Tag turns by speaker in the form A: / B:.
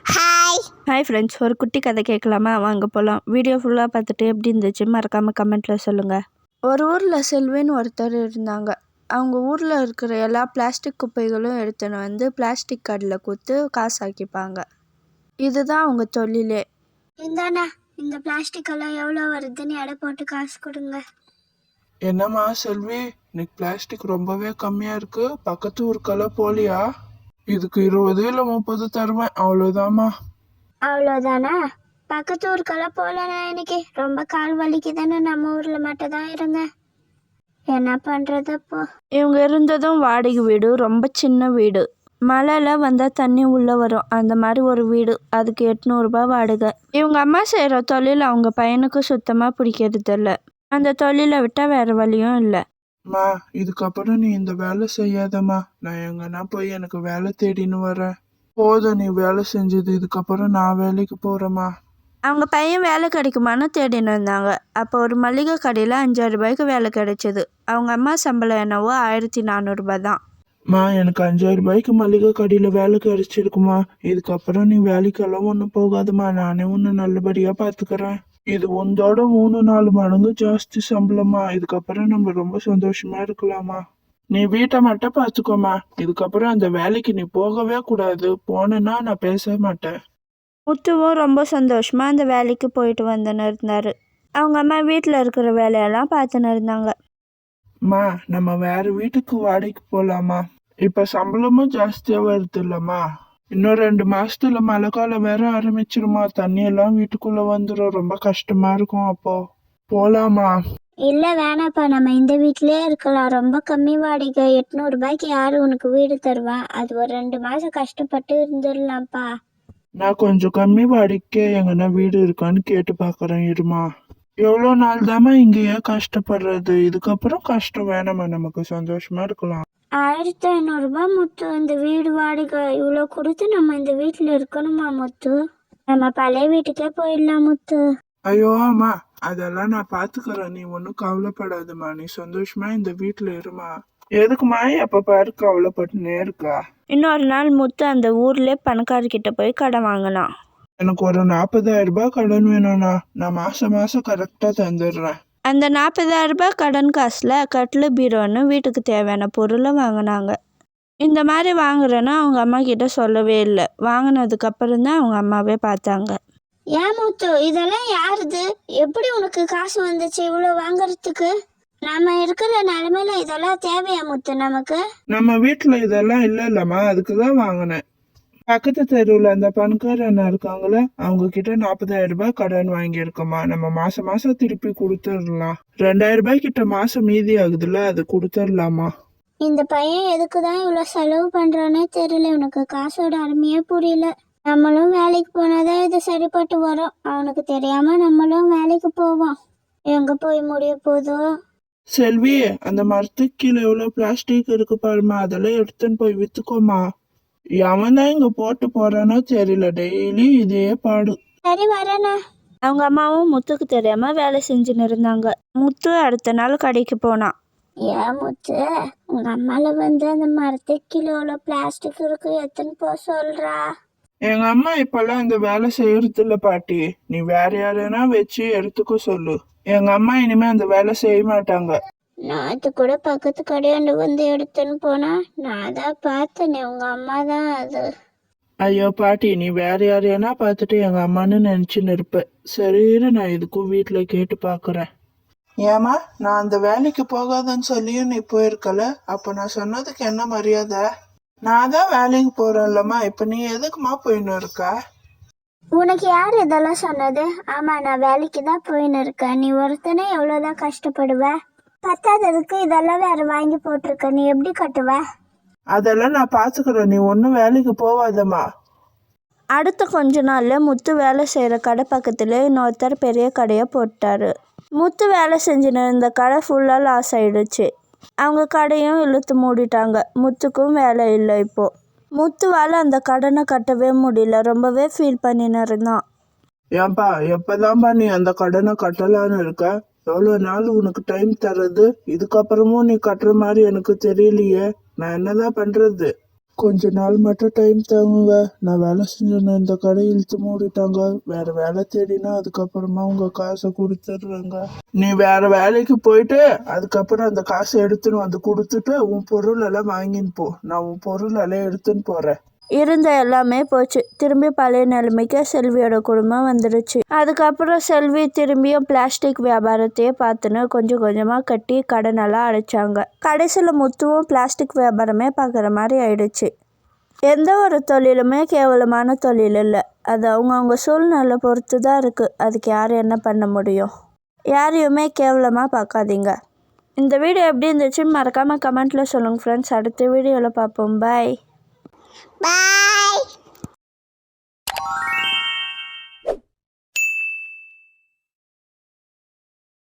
A: Hi
B: hi friends, ஒரு குட்டி கதை கேட்கலாமா? வாங்க போகலாம். வீடியோ ஃபுல்லாக பார்த்துட்டு எப்படி இருந்துச்சு மறக்காமல் கமெண்ட்டில் சொல்லுங்கள். ஒரு ஊரில் செல்வின்னு ஒருத்தர் இருந்தாங்க. அவங்க ஊரில் இருக்கிற எல்லா பிளாஸ்டிக் குப்பைகளும் எடுத்துன்னு வந்து பிளாஸ்டிக் கடையில் கொடுத்து காசு ஆக்கிப்பாங்க. இதுதான் அவங்க தொழிலே.
A: இந்தாண்ணா, இந்த பிளாஸ்டிக் எல்லாம் எவ்வளோ வருதுன்னு எடை போட்டு காசு கொடுங்க.
C: என்னம்மா செல்வி, இன்னைக்கு பிளாஸ்டிக் ரொம்பவே கம்மியா இருக்கு. பக்கத்து ஊருக்கெல்லாம் போலியா? இதுக்கு 20 இல்ல 30 தருவேன், அவ்வளவுதாம்மா.
A: அவ்வளோதானா? பக்கத்து ஊருக்கெல்லாம் போகலண்ணா, இன்னைக்கு ரொம்ப கால் வலிக்குதுன்னு நம்ம ஊரில் மட்டும் தான் இருங்க. என்ன பண்ணுறது அப்போ?
B: இவங்க இருந்ததும் வாடகை வீடு, ரொம்ப சின்ன வீடு. மழையில் வந்தால் தண்ணி உள்ளே வரும், அந்த மாதிரி ஒரு வீடு. அதுக்கு 800 ரூபாய் வாடகை. இவங்க அம்மா செய்கிற தொழில் அவங்க பையனுக்கு சுத்தமாக பிடிக்கிறது இல்லை. அந்த தொழிலை விட்டால் வேறு வழியும் இல்லை.
C: அம்மா, இதுக்கப்புறம் நீ இந்த வேலை செய்யாதம்மா. நான் எங்கன்னா போய் எனக்கு வேலை தேடின்னு வரேன். போதும் நீ வேலை செஞ்சது, இதுக்கப்புறம் நான் வேலைக்கு போறேம்மா.
B: அவங்க பையன் வேலை கிடைக்குமான்னு தேடின்னு இருந்தாங்க. அப்போ ஒரு மளிகை கடையில் 5000 ரூபாய்க்கு வேலை கிடைச்சிது. அவங்க அம்மா சம்பளம் என்னவோ 1400 ரூபாய் தான்.
C: மா, எனக்கு 5000 ரூபாய்க்கு மளிகை கடையில வேலை கிடைச்சிருக்குமா. இதுக்கப்புறம் நீ வேலைக்கெல்லாம் ஒன்றும் போகாதம்மா. நானே உன்னை நல்லபடியா பாத்துக்கிறேன். இது உந்தோட 3-4 மடங்கு ஜாஸ்தி சம்பளமா. இதுக்கப்புறம் நம்ம ரொம்ப சந்தோஷமா இருக்கலாமா. நீ வீட்டை மட்டும் பாத்துக்கோமா. இதுக்கப்புறம் அந்த வேலைக்கு நீ போகவே கூடாது. போனேன்னா நான் பேச மாட்டேன்.
B: முத்துவும் ரொம்ப சந்தோஷமா அந்த வேலைக்கு போயிட்டு வந்துன்னு இருந்தார். அவங்க அம்மா வீட்டில் இருக்கிற வேலையெல்லாம் பார்த்துன்னு இருந்தாங்க.
C: மா, நம்ம வேற வீட்டுக்கு வாடகைக்கு போலாமா? இப்ப சம்பளமும் ஜாஸ்தியா வருது இல்லம்மா. இன்னும் 2 மாசத்துல மழை காலம் வேற ஆரம்பிச்சிருமா. தண்ணி எல்லாம் வீட்டுக்குள்ள வந்துடும். ரொம்ப கஷ்டமா இருக்கும். அப்போ போலாமா?
A: இல்லை வேணாப்பா, நம்ம இந்த வீட்டிலே இருக்கலாம். ரொம்ப கம்மி வாடகை. 800 ரூபாய்க்கு யாரு உனக்கு வீடு தருவா? அது ஒரு 2 மாதம் கஷ்டப்பட்டு இருந்துடலாம்ப்பா.
C: நான் கொஞ்சம் கம்மி வாடகைக்கே எங்கன்னா வீடு இருக்கான்னு கேட்டு பாக்குறேன், இருமா. எவ்வளோ நாள் தாம்மா இங்கேயே கஷ்டப்படுறது? இதுக்கப்புறம் கஷ்டம் வேணாமா. நமக்கு சந்தோஷமா இருக்கலாம்.
A: 1500 ரூபாய் முத்து இந்த வீடு வாடகை. இவ்வளோ கொடுத்து நம்ம இந்த வீட்டில் இருக்கணுமா முத்து? நம்ம பழைய வீட்டுக்கே போயிடலாம் முத்து.
C: ஐயோ அம்மா, அதெல்லாம் நான் பாத்துக்கிறேன். நீ ஒன்றும் கவலைப்படாதம்மா. நீ சந்தோஷமா இந்த வீட்டுல இருமா. எதுக்குமா எப்ப பாரு கவலைப்பட்டுனே இருக்கா?
B: இன்னொரு நாள் முத்து அந்த ஊர்ல பணக்காரர்கிட்ட போய் கடன் வாங்கினான்.
C: எனக்கு ஒரு 40,000 ரூபாய் கடன் வேணும்ண்ணா. நான் மாசம் மாசம் கரெக்டா தந்துடுறேன்.
B: அந்த 40,000 ரூபாய் கடன் காசில் கட்டில் பீரோன்னு வீட்டுக்கு தேவையான பொருளை வாங்கினாங்க. இந்த மாதிரி வாங்குறேன்னு அவங்க அம்மா கிட்ட சொல்லவே இல்லை. வாங்கினதுக்கு அப்புறம் தான் அவங்க அம்மாவே பார்த்தாங்க.
A: ஏன் முத்து, இதெல்லாம் யாருது? எப்படி உனக்கு காசு வந்துச்சு இவ்வளோ வாங்குறதுக்கு? நம்ம இருக்கிற நிலைமையில இதெல்லாம் தேவையா முத்து நமக்கு?
C: நம்ம வீட்டுல இதெல்லாம் இல்லம்மா, அதுக்குதான் வாங்கினேன். பக்கத்து தெருவுல அந்த பணக்கார அண்ணா இருக்காங்களே, அவங்க கிட்ட 40,000 ரூபாய் கடன் வாங்கியிருக்கோமா. நம்ம மாசம் மாசம் திருப்பி கொடுத்துடலாம். 2000 ரூபாய் கிட்ட மாசம் மீதி ஆகுதுல்ல, அது கொடுத்துடலாமா.
A: இந்த பையன் எதுக்கு தான் இவ்வளோ செலவு பண்ணுறானே தெரியல. உனக்கு காசோட அருமையே புரியல. நம்மளும் வேலைக்கு போனாதான் இது சரிப்பட்டு வரும். அவனுக்கு தெரியாம நம்மளும் வேலைக்கு போவோம். எங்க போய் முடிய போதோ?
C: செல்வி, அந்த மரத்துக்கு கீழே எவ்வளவு பிளாஸ்டிக் இருக்கு பாருமா. அதெல்லாம் எடுத்துன்னு போய் வித்துக்கோமா. எவன் தான் இங்க போட்டு போறானோ தெரியல. டெய்லி இதே பாடு.
A: சரி வரேண்ணா.
B: அவங்க அம்மாவும் முத்துக்கு தெரியாம வேலை செஞ்சுன்னு இருந்தாங்க. முத்து அடுத்த நாள் கடைக்கு போனான்.
A: ஏன் முத்து, உங்க அம்மால வந்து அந்த மரத்துக்கு கிலோல பிளாஸ்டிக் இருக்கு எத்தனை போ சொல்றா?
C: எங்க அம்மா இப்பெல்லாம் இந்த வேலை செய்யறது இல்ல பாட்டி. நீ வேற யாரைனா வச்சு எடுத்துக்க சொல்லு. எங்க அம்மா இனிமே அந்த வேலை செய்ய மாட்டாங்க.
A: நேற்று கூட பக்கத்து கடையாண்டு வந்து எடுத்துன்னு போனா நான் தான் பார்த்தேனே, உங்க அம்மா தான் அது.
C: ஐயோ பாட்டி, நீ வேற யாரையானா பார்த்துட்டு எங்க அம்மான்னு நினைச்சுன்னு இருப்ப. சரி, நான் இதுக்கும் வீட்டுல கேட்டு பாக்குறேன். ஏமா, நான் அந்த வேலைக்கு போகாதன்னு சொல்லியும் நீ போயிருக்கல. அப்ப நான் சொன்னதுக்கு என்ன மரியாதை? நான் தான் வேலைக்கு போறேன்லம்மா. இப்ப நீ எதுக்குமா போயின்னு இருக்க?
A: உனக்கு யார் இதெல்லாம் சொன்னது? ஆமா, நான் வேலைக்கு தான் போயின்னு இருக்கேன். நீ ஒருத்தனே எவ்வளோதான் கஷ்டப்படுவ? பத்தாததுக்கு இதெல்லாம் வேற வாங்கி போட்டிருக்க. நீ எப்படி கட்டுவ?
C: அதெல்லாம் நான் பாத்துக்கிறேன். நீ ஒன்னும் வேலைக்கு போவாதம்மா.
B: அடுத்த கொஞ்ச நாளில் முத்து வேலை செய்கிற கடை பக்கத்தில் இன்னொருத்தர் பெரிய கடையை போட்டார். முத்து வேலை செஞ்சுன்னு இருந்த கடை ஃபுல்லாக லாஸ் ஆயிடுச்சு. அவங்க கடையும் இழுத்து மூடிட்டாங்க. முத்துக்கும் வேலை இல்லை. இப்போது முத்துவால் அந்த கடனை கட்டவே முடியல. ரொம்பவே ஃபீல் பண்ணின்னு இருந்தான்.
C: ஏன்பா, எப்பதான்பா நீ அந்த கடனை கட்டலான்னு இருக்க? எவ்வளவு நாள் உனக்கு டைம் தர்றது? இதுக்கப்புறமும் நீ கட்டுற மாதிரி எனக்கு தெரியலையே. நான் என்னதான் பண்றது? கொஞ்ச நாள் மட்டும் டைம் தாங்குங்க. நான் வேலை செஞ்சேன்னு இந்த கடை இழுத்து மூடிட்டாங்க. வேற வேலை தேடினா அதுக்கப்புறமா உங்க காசை கொடுத்துட்றேங்க. நீ வேற வேலைக்கு போயிட்டு அதுக்கப்புறம் அந்த காசை எடுத்துன்னு வந்து கொடுத்துட்டு உன் பொருள் எல்லாம் வாங்கின்னு போ. நான் உன் பொருள் எல்லாம் எடுத்துன்னு போறேன்.
B: இருந்த எல்லாமே போச்சு. திரும்பி பழைய நிலைமைக்கு செல்வியோட குடும்பம் வந்துடுச்சு. அதுக்கப்புறம் செல்வி திரும்பியும் பிளாஸ்டிக் வியாபாரத்தையே பார்த்துன்னு கொஞ்சம் கொஞ்சமாக கட்டி கடனெல்லாம் அடைச்சாங்க. கடைசியில் முத்துவும் பிளாஸ்டிக் வியாபாரமே பார்க்குற மாதிரி ஆயிடுச்சு. எந்த ஒரு தொழிலுமே கேவலமான தொழில் இல்லை. அது அவங்கவுங்க சூழ்நிலை பொறுத்து தான் இருக்குது. அதுக்கு யார் என்ன பண்ண முடியும்? யாரையுமே கேவலமாக பார்க்காதீங்க. இந்த வீடியோ எப்படி இருந்துச்சுன்னு மறக்காமல் கமெண்ட்டில் சொல்லுங்கள் ஃப்ரெண்ட்ஸ். அடுத்த வீடியோவில் பார்ப்போம். பாய்.
A: பாய்.